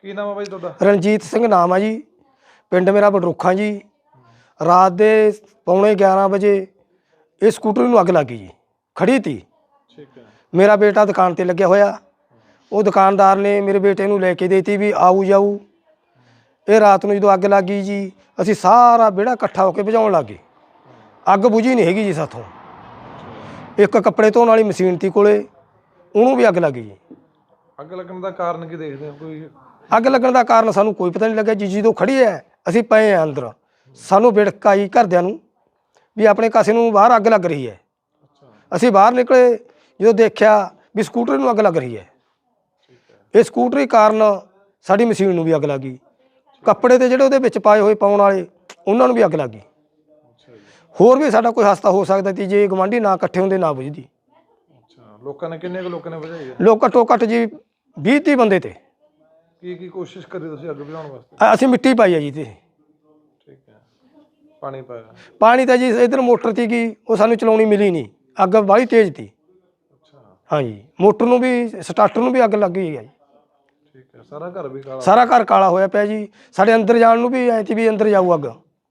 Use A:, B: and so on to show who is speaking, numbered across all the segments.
A: ਕੀ ਨਾਮ ਹੈ ਬਾਈ ਤੁਹਾਡਾ?
B: ਰਣਜੀਤ ਸਿੰਘ ਨਾਮ ਆ ਜੀ। ਪਿੰਡ ਮੇਰਾ ਬਡਰੁੱਖਾਂ ਜੀ। ਰਾਤ ਦੇ 11:45 ਵਜੇ ਇਹ ਸਕੂਟਰ ਨੂੰ ਅੱਗ ਲੱਗ ਗਈ ਜੀ। ਖੜੀ ਤੀ।
A: ਠੀਕ ਹੈ।
B: मेरा बेटा दुकान ते लग्या होया। वो दुकानदार ने मेरे बेटे नूं लैके देती भी आऊ जाऊ। ये रात नूं जदों अग लग गई जी असी सारा बेड़ा इकट्ठा होकर बुझाउण लग गए। अग बुझी नहीं हैगी जी साथों। एक कपड़े धोने वाली मशीन थी कोले उहनूं भी अग लग गई जी।
A: अग लगन दा कारण की देखदे हो कोई?
B: अग लगन दा कारण सानूं कोई पता नहीं लग्या जी। जदों खड़ी है असी पए हैं अंदर सानूं विड़क आई घरदिआं नूं भी अपने कासे नूं बाहर अग लग रही है। असी बाहर निकले जो देखा भी स्कूटर नूं अग लग रही है। ये स्कूटरी कारण साडी मशीन नूं भी अग लग गई। कपड़े ते जिहड़े उहदे विच पाए होए पाउण वाले उन्हां नूं भी अग लग गई। होर भी साडा कोई हादसा हो सकदा सी जे गवांढी ना इकट्ठे हुंदे ना बुझदी।
A: लोकां ने किन्ने लोकां ने बुझाई है?
B: लोग घट्टो घट्ट जी 20-30 बंदे ते।
A: की कोशिश करी तुसीं अग बुझाउण वास्ते?
B: असीं मिट्टी पाई है जी ते।
A: ठीक है। पानी पाया?
B: पानी तां जी इधर मोटर ती गी वो सानूं चलाउणी मिली नहीं। अग बड़ी तेज थी। हाँ जी मोटर नूं भी स्टार्टर नूं भी अग लग गई है जी।
A: ठीक है। सारा घर भी काला?
B: सारा घर काला होया पिया जी। साडे अंदर जाण नूं भी ऐ सी भी अंदर जाऊ अग।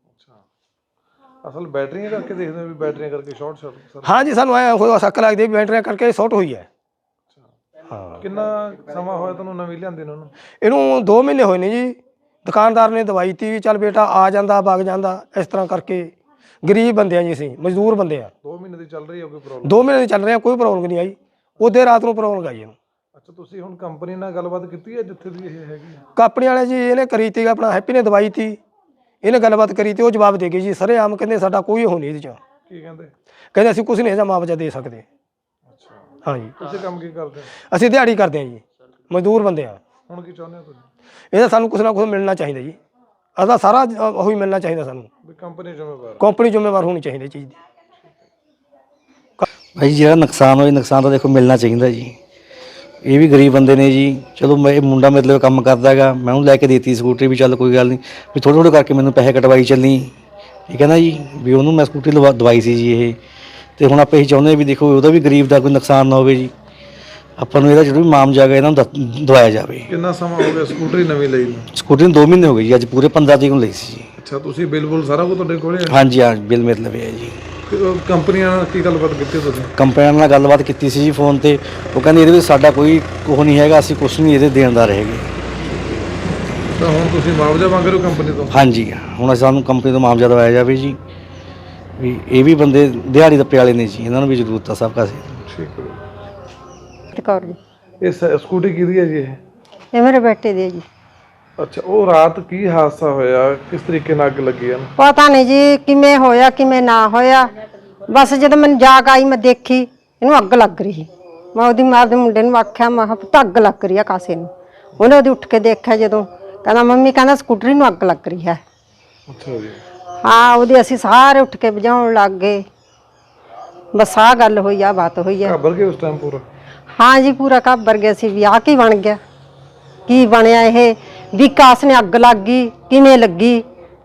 A: असल बैटरियां करके देखते हैं भी बैटरियां करके शॉर्ट सर्किट?
B: हाँ जी सानूं ऐ होया शक लगदी भी बैटरियां करके शॉर्ट हुई है। हाँ
A: किन्ना समा होया तुहानूं नवीं लिआंदे नूं?
B: इहनूं 2 महीने होए ने जी। दुकानदार ने दवाई ती भी चल बेटा आ जांदा वग जांदा इस तरह करके। गरीब बंदे हैं जी असीं मजदूर बंदे हैं।
A: 2 महीने दी चल रही है कोई प्रॉब्लम?
B: 2 महीने चल रहे हैं कोई प्रॉब्लम नहीं आई। उदे रात नूं प्रॉब्लम आई ਇਹਨੂੰ।
A: अच्छा तुसीं हुण कंपनी नाल गलबात कीती है जिथे दी ਇਹ ਹੈਗੀ?
B: कंपनी वाले जी इहने करी ती अपना हैप्पी ने दवाई ती इहने गलबात करी ती। वो जवाब दे गई जी सरे आम कहंदे साडा कोई हो नहीं ਇਹਦੇ ਚ।
A: ਕੀ ਕਹਿੰਦੇ?
B: कहंदे ਅਸੀਂ कुछ नहीं ਇਹਦਾ मुआवजा दे सकते।
A: अच्छा
B: हाँ जी
A: ਤੁਸੀਂ ਕੰਮ ਕੀ ਕਰਦੇ ਹੋ?
B: ਅਸੀਂ ਦਿਹਾੜੀ ਕਰਦੇ ਹਾਂ ਜੀ ਮਜ਼ਦੂਰ ਬੰਦੇ ਆ।
A: ਹੁਣ ਕੀ ਚਾਹੁੰਦੇ ਹੋ ਤੁਸੀਂ?
B: ਇਹਦਾ ਸਾਨੂੰ ਕੁਛ ਨਾ ਕੁਛ ਮਿਲਣਾ ਚਾਹੀਦਾ ਜੀ। ਅਦਾ ਸਾਰਾ ਉਹੀ ਮਿਲਣਾ ਚਾਹੀਦਾ ਸਾਨੂੰ।
A: ਵੀ ਕੰਪਨੀ ਜ਼ਿੰਮੇਵਾਰ?
B: ਕੰਪਨੀ ਜ਼ਿੰਮੇਵਾਰ ਹੋਣੀ ਚਾਹੀਦੀ ਚੀਜ਼ ਦੀ।
C: भाई जो नुकसान हो नुकसान तो देखो मिलना चाहिए जी। ये भी गरीब बंदे ने जी। चलो मैं मुंडा मतलब काम करता है मैं उन्हें लैके देती स्कूटरी भी चल कोई गल नहीं भी थोड़े थोड़े करके मैंने पैसे कटवाई चलनी ठीक है ना जी भी उन्होंने मैं स्कूटरी दवाई सी जी ये तो हुण आपां चाहुंदे भी देखो वह भी गरीब का कोई नुकसान ना हो जी ਆਪਾਂ ਨੂੰ ਇਹਦਾ ਜਿਹੜਾ ਵੀ ਮਾਮਜਾ ਹੈਗਾ ਇਹਨਾਂ ਨੂੰ ਦਵਾਇਆ ਜਾਵੇ।
A: ਕਿੰਨਾ ਸਮਾਂ ਹੋ ਗਿਆ ਸਕੂਟਰੀ ਨਵੀਂ ਲਈ ਨੂੰ?
C: ਸਕੂਟਰੀ ਨੂੰ 2 ਮਹੀਨੇ ਹੋ ਗਏ ਜੀ। ਅੱਜ ਪੂਰੇ 15 ਤਰੀਕ ਨੂੰ ਲਈ ਸੀ ਜੀ।
A: ਅੱਛਾ ਤੁਸੀਂ ਬਿੱਲ ਸਾਰਾ ਕੁਝ ਤੁਹਾਡੇ ਕੋਲ ਹੈ?
C: ਹਾਂਜੀ ਹਾਂ ਬਿੱਲ ਮੇਰੇ ਲਵੇ ਹੈ ਜੀ।
A: ਕੰਪਨੀਆਂ ਨਾਲ ਕੀ ਗੱਲਬਾਤ ਕੀਤੀ ਤੁਸੀਂ?
C: ਕੰਪਨੀਆਂ ਨਾਲ ਗੱਲਬਾਤ ਕੀਤੀ ਸੀ ਜੀ ਫੋਨ ਤੇ। ਉਹ ਕਹਿੰਦੇ ਇਹਦੇ ਵਿੱਚ ਸਾਡਾ ਕੋਈ ਉਹ ਨਹੀਂ ਹੈਗਾ ਅਸੀਂ ਕੁਛ ਨਹੀਂ ਇਹਦੇ ਦੇਣਦਾਰ ਹੈਗੇ।
A: ਤਾਂ ਹੁਣ ਤੁਸੀਂ ਮੁਆਵਜ਼ਾ ਮੰਗ ਰਹੇ ਹੋ ਕੰਪਨੀ ਤੋਂ?
C: ਹਾਂਜੀ ਹੁਣ ਸਾਨੂੰ ਕੰਪਨੀ ਤੋਂ ਮੁਆਵਜ਼ਾ ਦਵਾਇਆ ਜਾਵੇ ਜੀ ਵੀ ਇਹ ਵੀ ਬੰਦੇ ਦਿਹਾੜੀ ਦੱਪੇ ਵਾਲੇ ਨੇ ਜੀ ਇਹਨਾਂ ਨੂੰ ਵੀ ਜ਼ਰੂਰਤ ਆ ਸਭ ਕਾਸੇ।
A: ਠੀਕ ਹੈ।
D: कौर जी
A: ਇਹ ਸਕੂਟੀ ਕਿਹਦੀ ਹੈ ਜੀ ਇਹ?
D: ये मेरे बेटे दी है जी।
A: ਅੱਛਾ ਉਹ ਰਾਤ ਕੀ ਹਾਦਸਾ ਹੋਇਆ ਕਿਸ ਤਰੀਕੇ ਨਾਲ ਅੱਗ ਲੱਗੀ ਹੈ?
D: पता नहीं जी किमें होया किमें ना होया बस जब मैं जाग आई मैं देखी इनू अग लग रही मैं ओदी मां दे मुंडे नूं आख्या मैं पुत्त अग लग रही है कासे नूं। उन्हें ओदी उठ के देखा जदों कहना मम्मी कहना स्कूटरी नूं अग लग रही है।
A: ਅੱਛਾ जी।
D: हाँ ओदी असीं सारे उठ के बुझाउण लग गए। बस आ गल होई आ बात होई है।
A: ਘਬਰ ਗਏ ਉਸ ਟਾਈਮ ਪੂਰਾ?
D: हाँ जी पूरा घबर गया सी भी आ की बन गया की बनया ये भी कास ने अग लग गई किवें लगी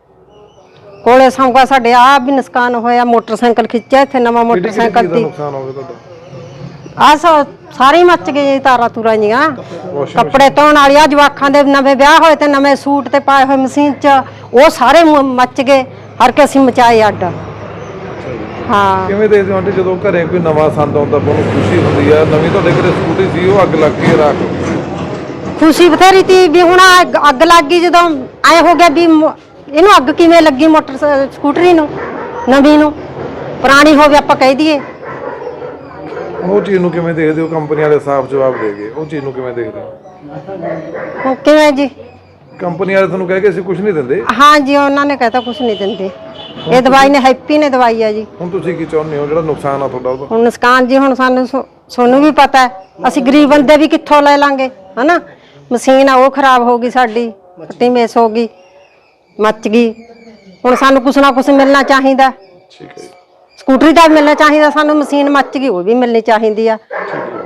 D: कोले संगा साडे आ भी नुकसान होया। मोटरसाइकिल खिंचा इत्थे नवा मोटरसाइकिल ती
A: ਨੁਕਸਾਨ ਹੋ ਗਿਆ ਤੁਹਾਡਾ?
D: आ सारी मच गए जी तारा तूरा जियां कपड़े धोने वाली जवाखां दे नवे ब्याह होए ते नवे सूट ते पाए होए मशीन च वो सारे मच गए हर के असीं मचाए अड्ड। हाँ
A: ਕਿਵੇਂ ਦੇਖਦੇ ਹੋ ਆਂਟੀ ਜਦੋਂ ਘਰੇ ਕੋਈ ਨਵਾਂ ਸੰਦ ਆਉਂਦਾ ਬਹੁਤ ਖੁਸ਼ੀ ਹੁੰਦੀ ਆ ਨਵੀਂ ਤੁਹਾਡੇ ਘਰੇ ਸਕੂਟੀ ਸੀ ਉਹ ਅੱਗ ਲੱਗ ਗਈ ਰਾਤ?
D: खुशी बथेरी थी भी हुण अग लग गई जदों ऐ हो गया भी इनू अग किवें लगी मोटर स्कूटरी नूं नवीं नूं पुरानी होवे आपां कह दईए।
A: ਉਹ ਚੀਜ਼ ਨੂੰ ਕਿਵੇਂ ਦੇਖਦੇ ਹੋ? ਕੰਪਨੀ ਵਾਲੇ ਸਾਫ਼ ਜਵਾਬ ਦੇ ਗਏ ਉਹ ਚੀਜ਼ ਨੂੰ ਕਿਵੇਂ ਦੇਖਦੇ ਹੋ?
D: किवें जी?
A: ਕੰਪਨੀ ਵਾਲੇ ਤੁਹਾਨੂੰ ਕਹਿ ਕੇ ਅਸੀਂ ਕੁਝ ਨਹੀਂ ਦਿੰਦੇ?
D: हाँ जी उन्होंने कहता कुछ नहीं दिंदे ये दवाई ने हैप्पी ने दवाई है जी।
A: ਹੁਣ ਤੁਸੀਂ ਕੀ ਚਾਹੁੰਦੇ ਹੋ ਜਿਹੜਾ ਨੁਕਸਾਨ ਆ ਤੁਹਾਡਾ ਉਹਦਾ?
D: हुण नुकसान जी हुण सानू भी पता है असीं गरीब बंदे भी कित्थों ले लांगे है ना। मशीन आ वो खराब हो गई साडी पट्टी मिस हो गई मच गई हुण सानू कुछ ना कुछ मिलना चाहिए।
A: ਠੀਕ ਹੈ।
D: स्कूटरी का मिलना चाहिए सानू मशीन मच गई वो भी मिलनी चाहिए।